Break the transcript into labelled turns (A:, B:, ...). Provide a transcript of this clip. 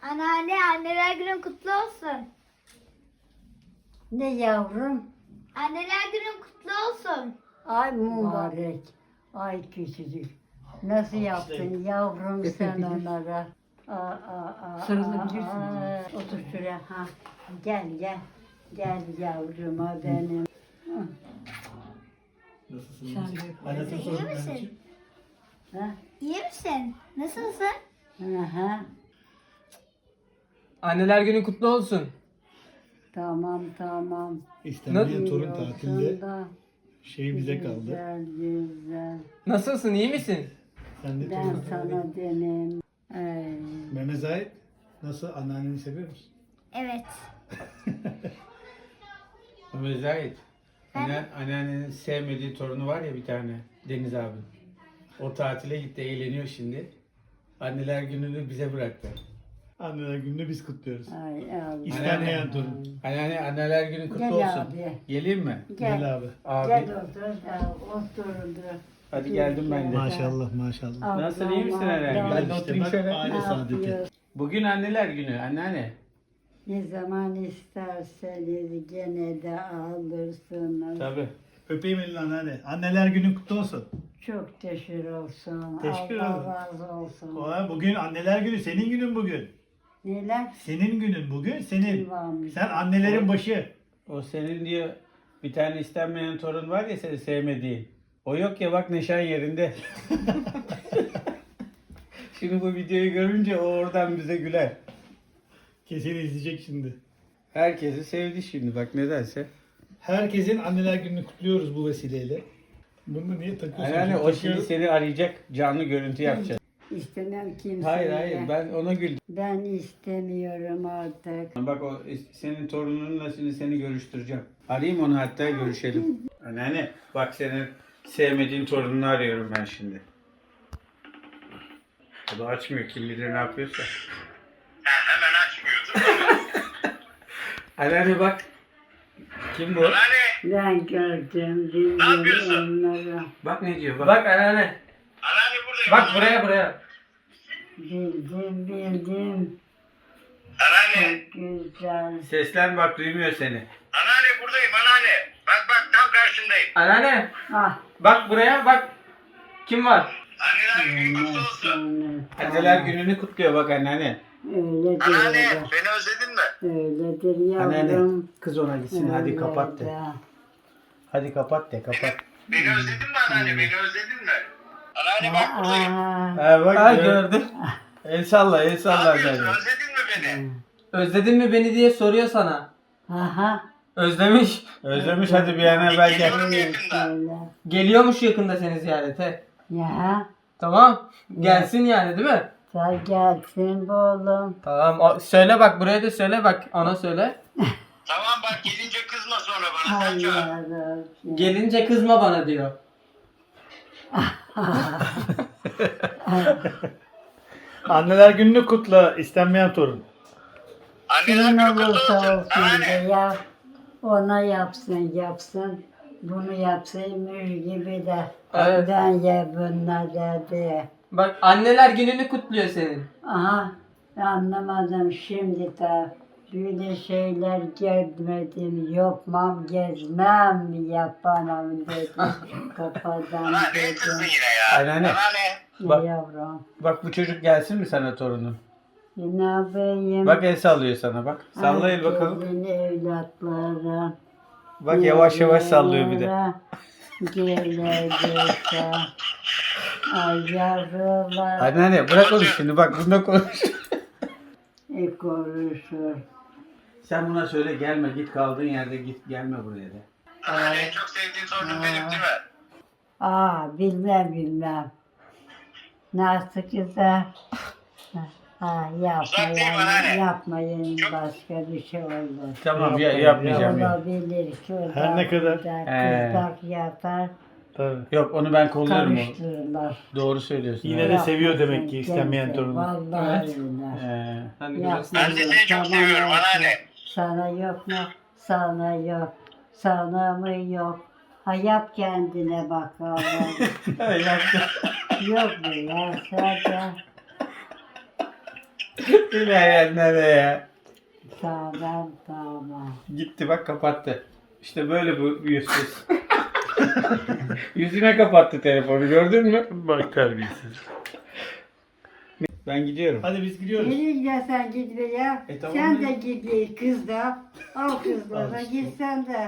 A: Anneanne, anneler günün kutlu olsun.
B: Ne yavrum?
A: Anneler günün kutlu olsun.
B: Ay mübarek. Ay küçücük. Nasıl yaptın yavrum sen onlara?
C: Sarılabilirsin.
B: Otur şuraya. Ha. Gel gel. Gel yavruma benim.
D: Nasılsın?
B: Sen de-
D: Annesine
A: İyi
D: sorun
A: misin?
D: anneciğim.
B: Ha?
A: İyi misin? Nasılsın?
B: Aha.
C: Anneler günün kutlu olsun.
B: Tamam tamam.
D: İstenmeyen torun
B: İyi olsun
D: tatilde
B: da
D: şey bize kaldı.
B: Güzel güzel.
C: Nasılsın, iyi misin?
D: Sen de
B: Ben
D: torun
B: sana dedim. Ay.
D: Mehmet Zahit nasıl? Anneanneni seviyor musun?
A: Evet.
E: Ömer Zahit. Anneannenin sevmediği torunu var ya bir tane. Deniz abi. O tatile gitti, eğleniyor şimdi. Anneler gününü bize bıraktı.
D: Anneler gününü biz kutluyoruz.
B: Ay Allah.
D: İstenmeyen torun.
E: Anneler günün kutlu
B: Gel
E: olsun.
B: abi.
E: Geleyim mi?
D: Gel abi.
E: Abi.
B: Gel otur. Otur.
E: Hadi geldim ben de.
D: Maşallah maşallah.
E: Nasılsın, iyi misin herhalde?
D: Ben
E: Ben de oturayım
D: bak,
E: şöyle.
D: aile saadeti.
E: Bugün anneler günü anneanne.
B: Ne zaman isterseniz gene de alırsınız.
E: Tabii.
D: Öpeyim elini anneanne. Anneler günün kutlu olsun.
B: Çok teşekkür olsun.
D: Teşekkür
B: Allah
D: ederim.
B: razı olsun.
D: Bugün anneler günü. Senin günün bugün.
B: Neler?
D: Senin günün bugün. Senin.
B: Kim varmış?
D: Sen annelerin başı.
E: O senin diyor bir tane istenmeyen torun var ya seni sevmediğin. O yok ya bak neşen yerinde. Şimdi bu videoyu görünce o oradan bize güler.
D: Kesin izleyecek şimdi.
E: Herkesi sevdi şimdi bak nedense.
D: Herkesin anneler gününü kutluyoruz bu vesileyle. Bunu niye takıyorsun?
E: Yani o şimdi seni arayacak canlı görüntü yapacak.
B: İstemem kimseye.
E: Hayır ben ona güldüm.
B: Ben istemiyorum artık.
E: Bak o senin torununla şimdi seni görüştüreceğim. Arayayım onu hatta görüşelim. Anneanne bak senin sevmediğin torununu arıyorum ben şimdi. O da açmıyor kim bilir ne yapıyorsa.
F: Hemen açmıyordu.
E: Anneanne bak. Kim bu?
B: Ben gördüm, bildim
F: yapıyorsun?
B: onları.
E: Bak ne diyor bak.
C: Bak anneanne.
F: Anneanne buradayım.
C: Bak buraya.
B: Bildim.
F: Anneanne.
B: Çok güzel.
E: Seslen bak duymuyor seni.
F: Anneanne buradayım anneanne. Bak tam karşındayım.
C: Anneanne.
B: Ah.
C: Bak buraya bak. Kim var?
F: Anneler günü kutlu olsun.
E: Anneler gününü kutluyor bak anneanne.
B: Öyledir.
F: Anneanne
B: öyle.
F: beni özledin mi?
B: Öyledir yavrum.
E: Anneanne kız ona gitsin hadi
B: Öyle
E: kapat de.
B: de.
E: Hadi kapat de kapat.
F: Beni özledin mi anneanne? Beni özledin mi? Anneanne bak buradayım.
B: Aa,
E: bak
C: Ha gördüm.
E: El salla el
F: Ne
E: salla
F: yapıyorsun?
E: hadi.
F: Özledin mi beni?
C: Özledin mi beni diye soruyor sana.
B: aha.
C: Özlemiş.
E: Özlemiş hadi bir an evvel gel.
F: Geliyorum yakında.
B: Öyle.
C: Geliyormuş yakında seni ziyarete.
B: Ya.
C: Tamam. Gelsin yani değil mi?
B: Sen gelsin bu oğlum.
C: Tamam. Söyle bak buraya da söyle bak. Ona söyle.
F: Tamam bak gelince kızma sonra bana. Sen çağır.
B: Allah razı olsun.
C: Gelince kızma bana diyor.
D: Anneler gününü kutla istenmeyen torun.
F: Anneler
B: Kimin
F: günü kutlu
B: olursa
F: olsun.
B: olsun
F: Anneanne.
B: de ya. Ona yapsın. Bunu yapsaymış gibi de.
C: Evet.
B: Ben ye bunlar dedi.
C: Bak anneler gününü kutluyor senin.
B: Aha. Anlamadım şimdi de. Böyle şeyler gezmedim, yapmam, gezmem, yapamam dedim. Kafadan
F: Ulan ne kızdın
B: dedim.
F: yine ya?
E: Anneanne.
F: Anneanne.
E: Bak.
B: Yavrum.
E: Bak bu çocuk gelsin mi sana torunun?
B: Ne yapayım?
E: Bak el sallıyor sana bak. Salla el bakalım.
B: Herkesin evlatları.
E: Bak yavaş yavaş sallıyor bir de.
B: Gelecekse. Ay yavrular.
E: Anneanne bırak onu şimdi bak bunda konuş.
B: Konuşur.
E: Sen buna söyle gelme git kaldığın yerde git gelme buraya de.
F: Anneanne en çok sevdiğin torunun benim değil mi?
B: Bilmem. Nasıl güzel.
F: Uzaktayım anneanne.
B: Yapmayın başka bir şey olur.
E: Tamam yapmayacağım ya.
B: Olabilir ki o
D: Her
B: da
D: ne kadar.
B: kızdak yatar,
D: Tabii.
E: Yok onu ben kolluyorum o.
B: karıştırırlar.
E: Doğru söylüyorsun.
D: Yine
E: evet.
D: de seviyor demek ki istenmeyen
B: Kimse,
D: torunu.
B: Vallahi
C: Evet.
B: öyle.
C: Hani
B: Yapma.
C: görüyorsun.
F: Ben de seni çok seviyorum anneanne.
B: Sana yok mu? Sana yok. Sana mı yok? Ha yap kendine bakalım. Yok mu ya sadece?
E: Gittiler nereye ya?
B: Sağlam sağlam.
E: Gitti bak kapattı. İşte böyle bu yüzsüz. Yüzüne kapattı telefonu gördün mü?
G: Bak terbiyesiz.
E: Ben gidiyorum.
D: Hadi biz gidiyoruz.
B: Nereye gidersen git be ya.
E: Tamam
B: Sen
E: be.
B: de git kız da. Al kızla da git sen de.